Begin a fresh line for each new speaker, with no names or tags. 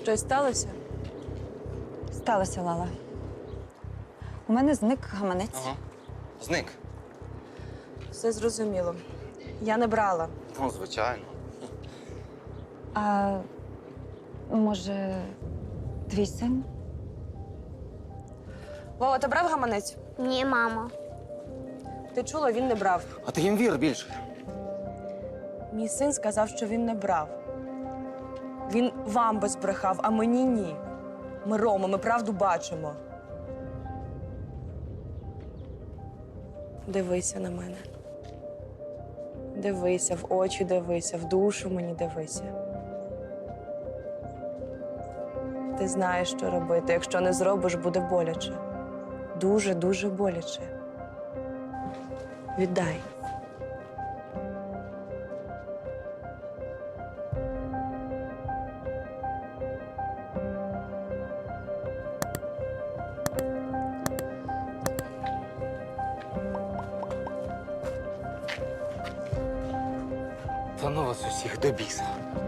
Щось сталося?
Сталося, Лала. У мене зник гаманець.
Ага. Зник.
Все зрозуміло. Я не брала.
Ну, звичайно.
А може, твій син?
Вова, ти брав гаманець?
Ні, мамо.
Ти чула, він не брав.
А ти їм вір більше.
Мій син сказав, що він не брав. Він вам би збрехав, а мені ні. Ми Рома, ми правду бачимо. Дивися на мене. Дивися, в очі дивися, в душу мені дивися. Ти знаєш, що робити. Якщо не зробиш, буде боляче. Дуже-дуже боляче. Віддай.
Та ну вас усіх до біса.